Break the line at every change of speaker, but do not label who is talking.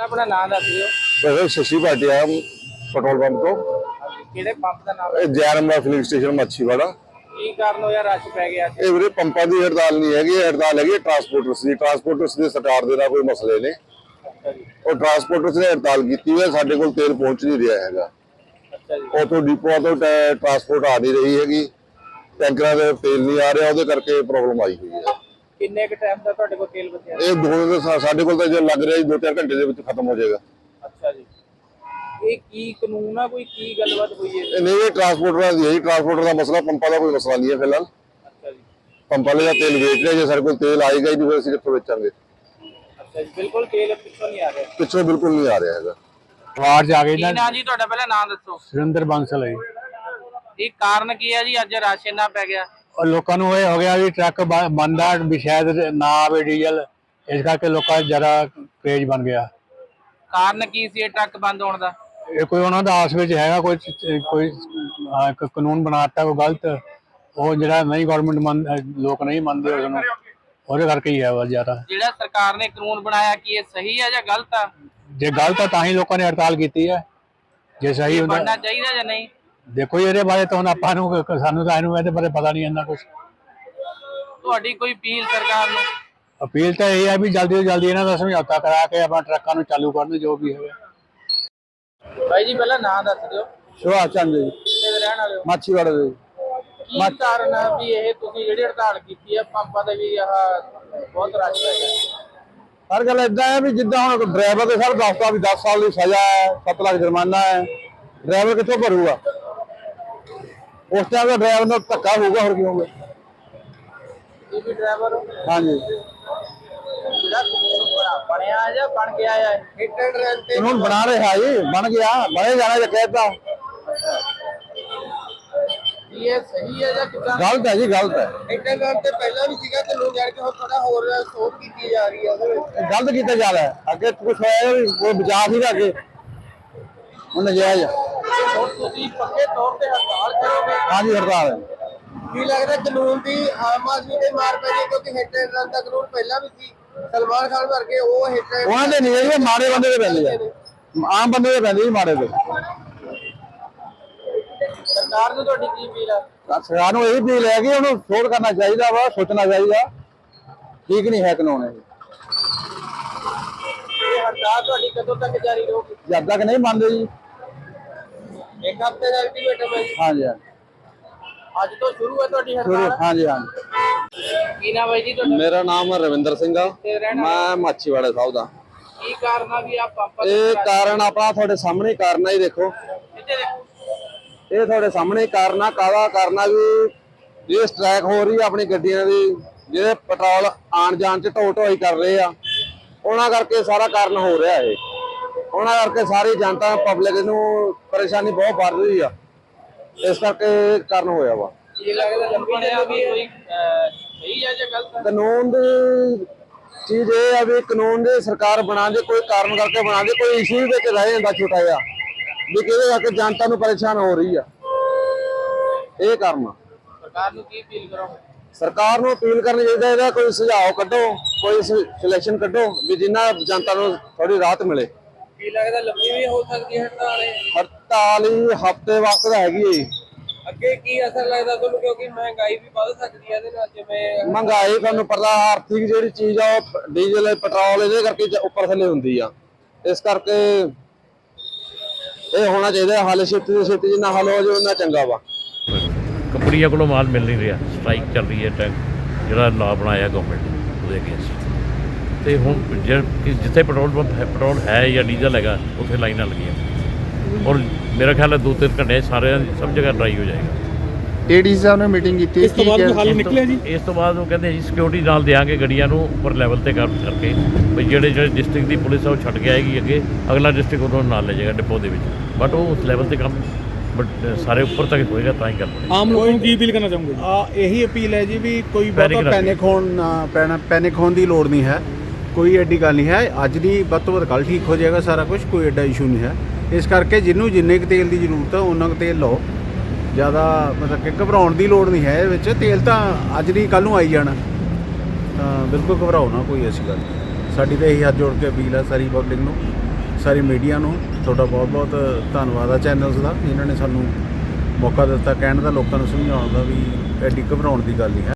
ਪਹਿਲਾਂ ਆਪਣਾ ਨਾਮ ਦੱਸ ਦਿਓ।
मैं शशि भाटिया पेट्रोल पंप तो
ਕਿਹੜੇ ਪੰਪ ਦਾ ਨਾਮ ਹੈ?
Jainam filling station Machhiwara.
ਕੀ ਕਾਰਨ ਹੋਇਆ ਰਸ਼ ਪੈ ਗਿਆ ਅੱਜ?
ਇਹ ਵੀਰੇ ਪੰਪਾਂ ਦੀ ਹੜਤਾਲ ਨਹੀਂ ਹੈਗੀ, ਹੜਤਾਲ ਹੈਗੀ ਟਰਾਂਸਪੋਰਟਰਸ ਦੀ। ਟਰਾਂਸਪੋਰਟਰਸ ਦੇ ਸਰਕਾਰ ਦੇ ਨਾਲ ਕੋਈ ਮਸਲੇ ਨੇ।
ਅੱਛਾ ਜੀ।
ਉਹ ਟਰਾਂਸਪੋਰਟਰਸ ਨੇ ਹੜਤਾਲ ਕੀਤੀ ਹੈ, ਸਾਡੇ ਕੋਲ ਤੇਲ ਪਹੁੰਚ ਨਹੀਂ ਰਿਹਾ ਹੈਗਾ।
ਅੱਛਾ ਜੀ।
ਉਥੋਂ ਡਿਪੂਆਂ ਤੋਂ ਟਰਾਂਸਪੋਰਟ ਆ ਨਹੀਂ ਰਹੀ ਹੈਗੀ, ਟੈਂਕਰਾਂ ਦੇ ਤੇਲ ਨਹੀਂ ਆ ਰਿਹਾ, ਉਹਦੇ ਕਰਕੇ ਪ੍ਰੋਬਲਮ ਆਈ ਹੋਈ ਹੈ।
ਕਿੰਨੇ ਕੁ ਟਾਈਮ ਦਾ ਤੁਹਾਡੇ ਕੋਲ ਤੇਲ ਬਚਿਆ?
ਇਹ ਸਾਡੇ ਕੋਲ ਤਾਂ ਜੇ ਲੱਗ ਰਿਹਾ 2-4 ਘੰਟੇ ਦੇ ਵਿੱਚ ਖਤਮ ਹੋ ਜਾਏਗਾ।
ਅੱਛਾ ਜੀ। ਇਹ ਕੀ ਕਾਨੂੰਨ ਆ, ਕੋਈ ਕੀ ਗੱਲਬਾਤ ਹੋਈ ਹੈ?
ਇਹ ਨਹੀਂ, ਇਹ ਟਰਾਂਸਪੋਰਟਰਾਂ ਦੀ ਹੈ, ਟਰਾਂਸਪੋਰਟਰ ਦਾ ਮਸਲਾ, ਪੰਪਾਂ ਦਾ ਕੋਈ ਮਸਲਾ ਨਹੀਂ ਹੈ ਫਿਲਹਾਲ।
ਅੱਛਾ ਜੀ।
ਪੰਪ ਵਾਲੇ ਦਾ ਤੇਲ ਵੇਚ ਰਹੇ, ਜੇ ਸਾਡੇ ਕੋਲ ਤੇਲ ਆਏਗਾ ਹੀ ਨਹੀਂ ਫਿਰ ਅਸੀਂ ਕਿੱਥੋਂ ਵੇਚਾਂਗੇ।
ਅੱਛਾ ਜੀ, ਬਿਲਕੁਲ ਤੇਲ ਪਿੱਛੋਂ ਨਹੀਂ ਆ ਰਿਹਾ।
ਪਿੱਛੋਂ ਬਿਲਕੁਲ ਨਹੀਂ ਆ ਰਿਹਾ ਹੈਗਾ।
ਆਵਾਜ਼ ਆ ਗਈ
ਕੀ
ਨਾ।
ਨਾਂ ਜੀ ਤੁਹਾਡਾ, ਪਹਿਲਾਂ ਨਾਮ ਦੱਸੋ।
ਸੁਰਿੰਦਰ ਬਾਂਸਲ ਹੈ ਜੀ।
ਇਹ ਕਾਰਨ ਕੀ ਹੈ ਜੀ ਅੱਜ ਰਸ਼ ਇੰਨਾ ਪੈ ਗਿਆ?
ਔਰ ਲੋਕਾਂ ਨੂੰ ਇਹ ਹੋ ਗਿਆ ਵੀ ਟਰੱਕ ਬੰਦ ਆ ਵੀ ਸ਼ਾਇਦ ਨਾ ਆਵੇ ਡੀਜ਼ਲ, ਇਸ ਕਰਕੇ ਲੋਕਾਂ ਦਾ ਜ਼ਿਆਦਾ ਕ੍ਰੇਜ਼ ਬਣ ਗਿਆ।
ਕਾਰਨ ਕੀ ਸੀ ਇਹ ਟਰੱਕ ਬੰਦ ਹੋਣ ਦਾ?
ਇਹ ਕੋਈ ਉਹਨਾਂ ਦਾ ਆਸ ਵਿੱਚ ਹੈਗਾ ਕੋਈ ਇੱਕ ਕਾਨੂੰਨ ਬਣਾਤਾ ਕੋਈ ਗਲਤ, ਉਹ ਜਿਹੜਾ ਨਹੀਂ ਗਵਰਨਮੈਂਟ ਲੋਕ ਨਹੀਂ ਮੰਨਦੇ ਉਸਨੂੰ, ਉਹਦੇ ਕਰਕੇ ਹੀ ਹੈ ਵਾ ਜ਼ਿਆਦਾ।
ਜਿਹੜਾ ਸਰਕਾਰ ਨੇ ਕਾਨੂੰਨ ਬਣਾਇਆ ਕੀ ਇਹ ਸਹੀ ਹੈ ਜਾਂ ਗਲਤ ਆ?
ਜੇ ਗਲਤ ਆ ਤਾਂ ਹੀ ਲੋਕਾਂ ਨੇ ਹੜਤਾਲ ਕੀਤੀ ਹੈ, ਜੇ ਸਹੀ ਹੁੰਦਾ
ਬਣਨਾ ਚਾਹੀਦਾ ਜਾਂ ਨਹੀਂ?
ਦੇਖੋ ਜੀ ਇਹਦੇ ਬਾਰੇ ਤਾਂ ਹੁਣ ਆਪਾਂ ਨੂੰ ਸਾਨੂੰ ਤਾਂ ਇਹਦੇ ਬਾਰੇ ਪਤਾ ਨਹੀਂ ਇੰਨਾ ਕੁਛ।
ਤੁਹਾਡੀ ਕੋਈ ਅਪੀਲ ਸਰਕਾਰ ਨੂੰ?
ਅਪੀਲ ਤਾਂ ਇਹ ਹੈ ਵੀ ਜਲਦੀ ਤੋਂ ਜਲਦੀ ਇਹਨਾਂ ਦਾ ਸਮਝੌਤਾ ਕਰਾ ਕੇ ਆਪਣਾ ਟਰੱਕਾਂ ਨੂੰ ਚਾਲੂ ਕਰਨ, ਜੋ ਵੀ ਹੋਵੇ।
ਭਾਈ ਜੀ ਪਹਿਲਾਂ ਨਾਮ ਦੱਸ ਦਿਓ।
ਸੁਭਾਸ਼ ਚੰਦ ਜੀ,
ਕਿੱਥੇ ਦੇ ਰਹਿਣ ਵਾਲੇ ਹੋ?
ਮਾਛੀਵਾੜਾ ਦੇ।
ਕੀ ਕਾਰਨ ਆ ਵੀ ਇਹ ਤੁਸੀਂ ਜਿਹੜੀ ਹੜਤਾਲ ਕੀਤੀ ਹੈ ਪੰਪਾਂ ਦੇ ਵੀ ਆਹ ਬਹੁਤ ਰਸ਼ ਪੈ ਗਿਆ?
ਹਰ ਗੱਲ ਇਦਾਂ ਹੈ ਵੀ ਜਿੱਦਾਂ ਹੁਣ ਡਰਾਈਵਰ ਦੇ ਸਰ ਦੱਸਦਾ ਵੀ 10 ਸਾਲ ਦੀ ਸਜ਼ਾ ਹੈ, 7 ਲੱਖ ਜੁਰਮਾਨਾ ਹੈ, ਡਰਾਈਵਰ ਕਿੱਥੋਂ ਭਰੂਗਾ? ਉਸ ਟਾਈਮ ਦਾ ਡਰਾਈਵਰ ਨਾਲ ਧੱਕਾ ਹੋਊਗਾ, ਹੋਰ ਕੀ ਹੋਊਗਾ?
ਇਹ ਵੀ ਡਰਾਈਵਰ
ਹਾਂਜੀ,
ਜਿਹੜਾ ਕਾਨੂੰਨ ਬਣਿਆ ਜਾਂ ਬਣ ਗਿਆ ਹੈ? ਹਿੱਟ ਐਂਡ ਰਨ ਤੇ
ਹੁਣ ਬਣਾ ਰਿਹਾ ਜੀ, ਬਣ ਗਿਆ, ਬਣੇ ਜਾਣਾ ਜੇ ਕਹਿਤਾ।
ਕੀ ਇਹ ਸਹੀ ਹੈ ਜਾਂ ਕਿੱਦਾਂ?
ਗਲਤ ਹੈ ਜੀ, ਗਲਤ ਹੈ,
ਹਿੱਟ ਐਂਡ ਰਨ ਤੇ ਪਹਿਲਾਂ ਵੀ ਸੀਗਾ ਤੇ ਲੋਕ ਜਾਣ ਕੇ ਹੁਣ ਥੋੜਾ ਹੋਰ ਸੋਧ ਕੀਤੀ ਜਾ ਰਹੀ ਹੈ ਉਹਦੇ ਵਿੱਚ।
ਗਲਤ ਕੀਤਾ ਜਾ ਰਿਹਾ ਹੈ। ਅੱਗੇ ਕੁਛ ਹੋਇਆ ਵੀ ਕੋਈ ਬਚਾ ਸੀਗਾ, ਅੱਗੇ ਹੁਣ ਨਜਾਇਜ਼ ਆ।
ਹੁਣ ਤੁਸੀਂ ਪੱਕੇ ਤੌਰ ਤੇ ਹੜਤਾਲ ਕਰੋਗੇ?
ਹਾਂਜੀ, ਹੜਤਾਲ ਹੈ।
ਕੀ ਲੱਗਦਾ ਕਾਨੂੰਨ ਦੀ ਆਮ ਆਦਮੀ ਤੇ ਮਾਰ ਪੈ ਗਈ? ਕਿਉਂਕਿ ਹਿੱਟ ਐਂਡ ਰਨ ਦਾ ਕਾਨੂੰਨ ਪਹਿਲਾਂ ਵੀ ਸੀ, ਸਲਮਾਨ ਖਾਨ ਵਰਗੇ ਉਹ ਹਿੱਟ ਐਂਡ
ਉਹਨਾਂ ਦੇ ਨਹੀਂ ਹੈ, ਮਾੜੇ ਬੰਦੇ ਦੇ ਪੈਂਦੇ ਆ, ਆਮ ਬੰਦੇ ਦੇ ਪੈਂਦੇ ਜੀ ਮਾੜੇ ਦੇ।
ਸਰਕਾਰ ਨੂੰ ਤੁਹਾਡੀ ਕੀ ਅਪੀਲ ਆ?
ਸਰਕਾਰ ਨੂੰ ਇਹ ਅਪੀਲ ਹੈ ਕਿ ਉਹਨੂੰ ਸੋਧ ਕਰਨਾ ਚਾਹੀਦਾ ਵਾ, ਸੋਚਣਾ ਚਾਹੀਦਾ, ਠੀਕ ਨਹੀਂ ਹੈ ਕਾਨੂੰਨ ਇਹ।
ਇਹ ਹੜਤਾਲ ਤੁਹਾਡੀ ਕਦੋਂ ਤੱਕ ਜਾਰੀ ਰਹੂਗੀ?
ਜਦ ਤੱਕ ਨਹੀਂ ਮੰਨਦੇ ਜੀ।
ਇੱਕ ਹਫ਼ਤੇ ਦਾ ਅਲਟੀਮੇਟਮ ਹੈ ਜੀ।
ਹਾਂਜੀ ਹਾਂਜੀ,
ਅੱਜ ਤੋਂ ਸ਼ੁਰੂ ਹੈ ਤੁਹਾਡੀ
ਸ਼ੁਰੂ,
ਹੜਤਾਲ?
ਹਾਂਜੀ ਹਾਂਜੀ।
ਕੀ ਨਾਮ ਹੈ ਜੀ ਤੁਹਾਡਾ?
ਮੇਰਾ ਨਾਮ ਰਵਿੰਦਰ ਸਿੰਘ ਆ,
ਤੇ ਰਹਿਣਾ
ਮੈਂ ਮਾਛੀਵਾੜਾ ਸਾਹਿਬ ਦਾ।
ਕੀ ਕਾਰਨ ਆ ਵੀ ਆ ਪੰਪਾਂ
ਇਹ ਕਾਰਨ ਆਪਣਾ ਤੁਹਾਡੇ ਸਾਹਮਣੇ ਹੀ ਕਾਰਨ ਆ ਜੀ। ਦੇਖੋ
ਕਿੱਥੇ ਦੇਖੋ?
ਇਹ ਤੁਹਾਡੇ ਸਾਹਮਣੇ ਹੀ ਕਾਰਨ ਆ। ਕਾਹਦਾ ਕਾਰਨ ਆ ਵੀ ਇਹ ਸਟ੍ਰਾਈਕ ਹੋ ਰਹੀ ਆ ਆਪਣੀ ਗੱਡੀਆਂ ਦੀ, ਜਿਹੜੇ ਪੈਟਰੋਲ ਆਣ ਜਾਣ ਚ ਢੋ ਢੋਈ ਕਰ ਰਹੇ ਆ, ਉਹਨਾਂ ਕਰਕੇ ਸਾਰਾ ਕਾਰਨ ਹੋ ਰਿਹਾ ਇਹ। ਉਹਨਾਂ ਕਰਕੇ ਸਾਰੀ ਜਨਤਾ ਪਬਲਿਕ ਨੂੰ ਪਰੇਸ਼ਾਨੀ ਬਹੁਤ ਵੱਧ ਰਹੀ ਆ, ਇਸ ਕਰਕੇ ਇਹ ਕਾਰਨ ਹੋਇਆ ਵਾ।
ਕੀ ਲੱਗਦਾ ਬਣਿਆ ਵੀ ਕੋਈ ਸਹੀ ਹੈ ਜਾਂ ਗਲਤ ਹੈ?
ਕਾਨੂੰਨ ਦੀ ਚੀਜ਼ ਇਹ ਆ ਵੀ ਕਾਨੂੰਨ ਦੀ ਸਰਕਾਰ ਬਣਾ ਦੇ, ਕੋਈ ਕਾਰਨ ਕਰਕੇ ਬਣਾ ਦੇ, ਕੋਈ ਇਸ਼ੂ ਦੇ ਕੇ ਰਹਿ ਜਾਂਦਾ ਛੋਟਾ ਜਿਹਾ ਵੀ ਕਿਹਦੇ ਕਰਕੇ ਜਨਤਾ ਨੂੰ ਪਰੇਸ਼ਾਨ ਹੋ ਰਹੀ ਆ, ਇਹ ਕਾਰਨ ਆ।
ਸਰਕਾਰ ਨੂੰ ਕੀ ਅਪੀਲ ਕਰੋਗੇ?
ਸਰਕਾਰ ਨੂੰ ਅਪੀਲ ਕਰਨੀ ਚਾਹੀਦਾ, ਇਹਦਾ ਕੋਈ ਸੁਝਾਅ ਕੱਢੋ, ਕੋਈ ਸਿਲੈਕਸ਼ਨ ਕੱਢੋ ਵੀ ਜਿੰਨਾ ਜਨਤਾ ਨੂੰ ਥੋੜੀ ਰਾਹਤ ਮਿਲੇ।
ਕੀ ਲੱਗਦਾ ਲੰਬੀ ਵੀ ਹੋ ਸਕਦੀ ਹੈ ਹੜਤਾਲ ਇਹ?
ਹੜਤਾਲ ਹੀ ਹਫ਼ਤੇ ਵਾਸਤੇ ਦਾ ਹੈਗੀ ਹੈ।
ਅੱਗੇ ਕੀ ਅਸਰ ਲੱਗਦਾ ਤੁਹਾਨੂੰ, ਕਿਉਂਕਿ ਮਹਿੰਗਾਈ ਵੀ ਵੱਧ ਸਕਦੀ ਹੈ ਇਹਦੇ ਨਾਲ? ਜਿਵੇਂ
ਮਹਿੰਗਾਈ ਤੁਹਾਨੂੰ ਪਤਾ, ਆਰਥਿਕ ਜਿਹੜੀ ਚੀਜ਼ ਆ ਉਹ ਡੀਜ਼ਲ ਪੈਟਰੋਲ ਇਹਦੇ ਕਰਕੇ ਉੱਪਰ ਥੱਲੇ ਹੁੰਦੀ ਆ, ਇਸ ਕਰਕੇ ਇਹ ਹੋਣਾ ਚਾਹੀਦਾ ਹੱਲ ਛੇਤੀ ਤੋਂ ਛੇਤੀ, ਜਿੰਨਾ ਹੱਲ ਹੋ ਜਾਵੇ ਉਹਨਾਂ ਚੰਗਾ ਵਾ।
ਕੰਪਨੀਆਂ ਕੋਲੋਂ ਮਾਲ ਮਿਲ ਨਹੀਂ ਰਿਹਾ, ਸਟ੍ਰਾਈਕ ਚੱਲ ਰਹੀ ਹੈ। ਜਿਹੜਾ ਲਾਅ ਬਣਾਇਆ ਗਵਰਨਮੈਂਟ ਨੇ ਉਹਦੇ ਅਗੇਂਸਟ, ਤੇ ਹੁਣ ਜਿੱਥੇ ਪੈਟਰੋਲ ਪੰਪ ਹੈ, ਪੈਟਰੋਲ ਹੈ ਜਾਂ ਡੀਜ਼ਲ ਹੈਗਾ, ਉੱਥੇ ਲਾਈਨਾਂ ਲੱਗੀਆਂ। ਔਰ ਮੇਰਾ ਖਿਆਲ ਹੈ 2-3 ਘੰਟੇ ਸਾਰਿਆਂ ਸਭ ਜਗ੍ਹਾ ਡਰਾਈ ਹੋ ਜਾਏਗਾ।
ਏਡੀਸੀ ਸਾਹਿਬ ਨੇ ਮੀਟਿੰਗ ਕੀਤੀ,
ਇਸ ਤੋਂ ਬਾਅਦ ਹੱਲ ਨਿਕਲਿਆ ਜੀ? ਇਸ ਤੋਂ ਬਾਅਦ ਉਹ ਕਹਿੰਦੇ ਜੀ ਸਿਕਿਉਰਿਟੀ ਨਾਲ ਦੇਾਂਗੇ ਗੱਡੀਆਂ ਨੂੰ ਉੱਪਰ ਲੈਵਲ ਤੇ ਕਰਕੇ, ਵੀ ਜਿਹੜੇ ਡਿਸਟ੍ਰਿਕਟ ਦੀ ਪੁਲਿਸ ਆ ਉਹ ਛੱਡ ਕੇ ਆਏਗੀ ਅੱਗੇ, ਅਗਲਾ ਡਿਸਟ੍ਰਿਕਟ ਉਹਨੂੰ ਨਾਲ ਲੈ ਜਾਏਗਾ ਡਿਪੋ ਦੇ ਵਿੱਚ, ਬਟ ਉਹ ਉਸ ਲੈਵਲ ਤੇ ਕੰਮ ਸਾਰੇ ਉੱਪਰ ਤੱਕ ਹੋਏਗਾ ਤਾਂ ਹੀ ਗੱਲ ਬਣੇਗੀ।
ਆਮ ਲੋਕਾਂ ਨੂੰ ਕੀ ਅਪੀਲ ਕਰਨਾ ਚਾਹੋਗੇ? ਇਹੀ ਅਪੀਲ ਹੈ ਜੀ ਵੀ ਕੋਈ ਬਹੁਤਾ ਪੈਨਿਕ ਹੋਣ ਦੀ ਲੋੜ ਨਹੀਂ ਹੈ, ਕੋਈ ਐਡੀ ਗੱਲ ਨਹੀਂ ਹੈ। ਅੱਜ ਦੀ ਵੱਧ ਤੋਂ ਵੱਧ ਕੱਲ੍ਹ ਠੀਕ ਹੋ ਜਾਏਗਾ ਸਾਰਾ ਕੁਝ, ਕੋਈ ਐਡਾ ਇਸ਼ੂ ਨਹੀਂ ਹੈ। ਇਸ ਕਰਕੇ ਜਿਹਨੂੰ ਜਿੰਨੇ ਕੁ ਤੇਲ ਦੀ ਜ਼ਰੂਰਤ ਹੈ ਉਹਨਾਂ ਕੁ ਤੇਲ ਲਓ, ਜ਼ਿਆਦਾ ਮਤਲਬ ਕਿ ਘਬਰਾਉਣ ਦੀ ਲੋੜ ਨਹੀਂ ਹੈ ਇਹ ਵਿੱਚ। ਤੇਲ ਤਾਂ ਅੱਜ ਨਹੀਂ ਕੱਲ੍ਹ ਨੂੰ ਆਈ ਜਾਣਾ, ਤਾਂ ਬਿਲਕੁਲ ਘਬਰਾਓ ਨਾ, ਕੋਈ ਐਸੀ ਗੱਲ ਨਹੀਂ। ਸਾਡੀ ਤਾਂ ਇਹੀ ਹੱਥ ਜੋੜ ਕੇ ਅਪੀਲ ਹੈ ਸਾਰੀ ਪਬਲਿਕ ਨੂੰ ਸਾਰੀ ਮੀਡੀਆ ਨੂੰ ਤੁਹਾਡਾ ਬਹੁਤ ਬਹੁਤ ਧੰਨਵਾਦ ਆ ਚੈਨਲਸ ਦਾ, ਜਿਨ੍ਹਾਂ ਨੇ ਸਾਨੂੰ ਮੌਕਾ ਦਿੱਤਾ ਕਹਿਣ ਦਾ, ਲੋਕਾਂ ਨੂੰ ਸਮਝਾਉਣ ਦਾ ਵੀ ਐਡੀ ਘਬਰਾਉਣ ਦੀ ਗੱਲ ਨਹੀਂ ਹੈ।